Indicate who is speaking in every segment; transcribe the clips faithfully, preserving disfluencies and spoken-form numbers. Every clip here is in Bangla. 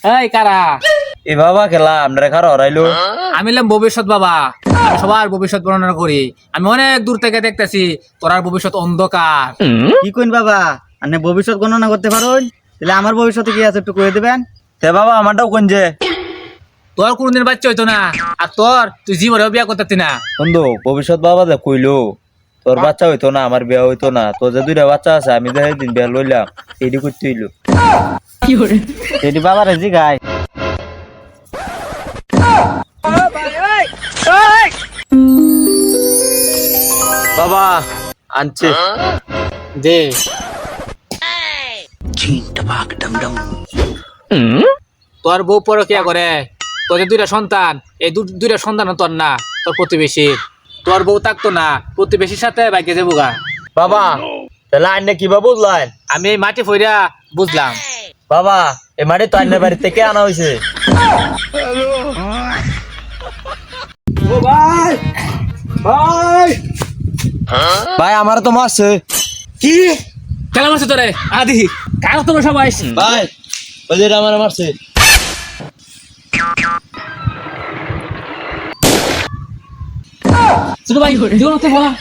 Speaker 1: এই কারা
Speaker 2: এ বাবা খেলা আমরা খার হরাইলো
Speaker 1: আমি হলাম ভবিষ্যৎ বাবা। আমি সবার ভবিষ্যৎ বর্ণনা করি। আমি অনেক দূর থেকে দেখতেছি তোরার ভবিষ্যৎ অন্ধকার।
Speaker 3: কি কইন বাবা আপনি ভবিষ্যৎ গণনা করতে পারুন? তাহলে আমার ভবিষ্যতে কি আছে একটু কয়ে দেবেন।
Speaker 2: তে বাবা আমারটাও কোন যে
Speaker 1: তোর কোনদিন বাচ্চা হইতো না, আর তোর তুই জীবনেও বিয়া করতে না।
Speaker 2: বন্ধু ভবিষ্যৎ বাবা যে কইলো তোর বাচ্চা হইতো না, আমার বিয়া হইতো না, তোর যে দুইটা বাচ্চা আছে আমি যে দিন বিয়া লইলাম এডি করতে হইলো।
Speaker 3: এটি বাবার জি গায়
Speaker 2: বাবা আনছে
Speaker 1: দে তোর বউ পরকিয়া করে, তোর যে দুইটা সন্তান, এই দু- দুইটা সন্তান তোর না, তোর প্রতিবেশী। তোর বউ থাকতো না, প্রতিবেশীর সাথে বাইকে যাবো গা।
Speaker 2: বাবা তাহলে আন্নে কিবা বুঝলেন?
Speaker 1: আমি এই মাটি ফইরা বুঝলাম।
Speaker 2: বাবা এ মাটি তো আন্নের বাড়ি থেকে আনা হয়েছে। ভাই আমার তো মারছে।
Speaker 1: কি কেন মারছে তোরে? আদি কার তোমরা সবাই?
Speaker 2: ভাই ওই যে আমার মারছে।
Speaker 1: ছোট ভাই জীবন তো বলা।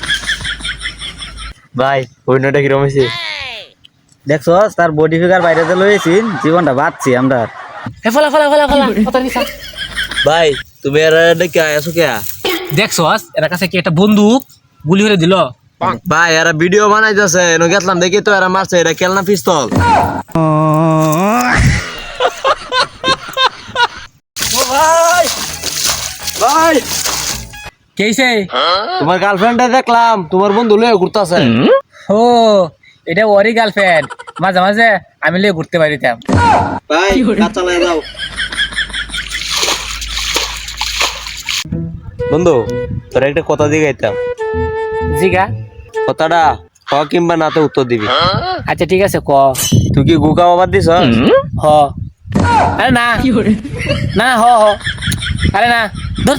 Speaker 2: ভাই অন্যটা কিরম হয়েছে?
Speaker 3: দেখছো তার বডি ফিগার বাইরে যে লইছি জীবনটা বাঁচছি আমরা।
Speaker 1: হে ফলা ফলা ফলা ফলা কথা নিছা।
Speaker 2: ভাই তুমি এর ডেকে আছো কে?
Speaker 1: দেখছস এর কাছে কি একটা বন্দুক গুলি করে দিল।
Speaker 2: ভাই এরা ভিডিও বানাইতেছে, এনো গেছলাম দেখি তো এরা মারছে, এটা খেলনা পিস্তল। ভাই ভাই
Speaker 1: কেইছে?
Speaker 2: তোমার গার্লফ্রেন্ডে দেখলাম তোমার বন্ধু লয়ে ঘুরতাছে।
Speaker 1: ও এটা ওরই গার্লফ্রেন্ড। মাঝে মাঝে আমি লিয়ে ঘুরতে পারিতাম।
Speaker 3: ভাই কাজ চালায় দাও।
Speaker 2: বন্ধু তোর একটা কথা দিগাইতাম,
Speaker 1: জিগা।
Speaker 2: কথাটা হ কিংবা নাতে উত্তর দিবি।
Speaker 1: আচ্ছা ঠিক আছে ক।
Speaker 2: তুই কি গুকা বাবার দিছ?
Speaker 1: হ। আরে না না হ হ আরে না ধর।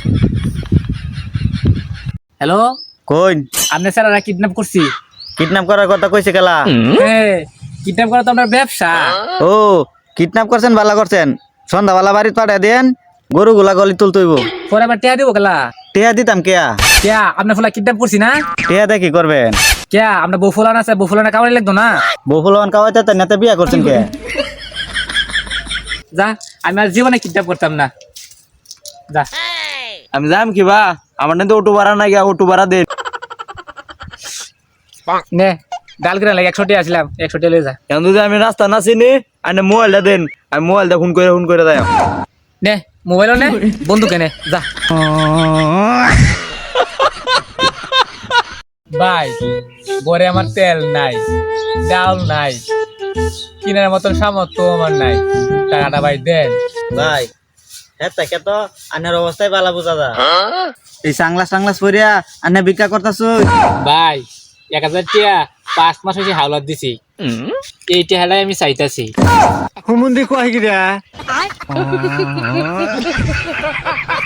Speaker 1: হ্যালো
Speaker 3: কইন
Speaker 1: আপনি স্যার কিডন্যাপ করছি।
Speaker 3: কিডন্যাপ করার কথা কইছে কেলা?
Speaker 1: হ্যাঁ কিডন্যাপ করা তো আপনার ব্যবসা।
Speaker 3: ও কিডন্যাপ করছেন ভালো করছেন, সন্ধ্যাবেলা বাড়িতে পাঠাই দেন, গরুগুলা গলি তুলতইব।
Speaker 1: পরে আবার টিয়া দিব গেলা।
Speaker 3: টেহা দিতাম কেয়া?
Speaker 1: কেয়া আপনার ফলা কিডন্যাপ করছি না?
Speaker 3: টেহা দিয়ে কি করবেন?
Speaker 1: কেয়া আপনার বউ ফলান আছে, বউ ফলানা কামাই লাগতো না।
Speaker 3: বহুলন কাওয়াইতে নেতা বিয়া করছেন কে?
Speaker 1: যা আমি আর জীবনে কিডন্যাপ করতাম না। যা
Speaker 2: আমি যাম কিবা, আমার তো অটো ভাড়া নাই, গিয়া অটো ভাড়া দে।
Speaker 1: নে ডাল কিনা লাগে একশো টিয়া আসলাম, একশো টিয়া লয়ে যা।
Speaker 2: এখন যদি আমি রাস্তা না চিনি আনে মোবাইলটা দেন, আমি মোবাইলটা ফোন করে ফোন করে দেয়।
Speaker 1: নে মোবাইলও নে বন্দুকে নে যা। ভাই গড়ে আমার তেল নাই, ডাল নাই, কিনার মতন সামর্থ্য আমার নাই। টাকাটা ভাই দেন।
Speaker 3: ভাই হ্যাঁ তাকে তো আনের অবস্থায় বালা বোঝা যা। এই সাংলাস টাংলাস পরিয়া আনে ভিক্ষা করতাছ।
Speaker 1: ভাই এক হাজার টিয়া পাঁচ মাস হয়েছে হাওলাত দিছি, এই টিয়াটাই আমি চাইতাছি।
Speaker 3: হুমুন্দি কয় গিরা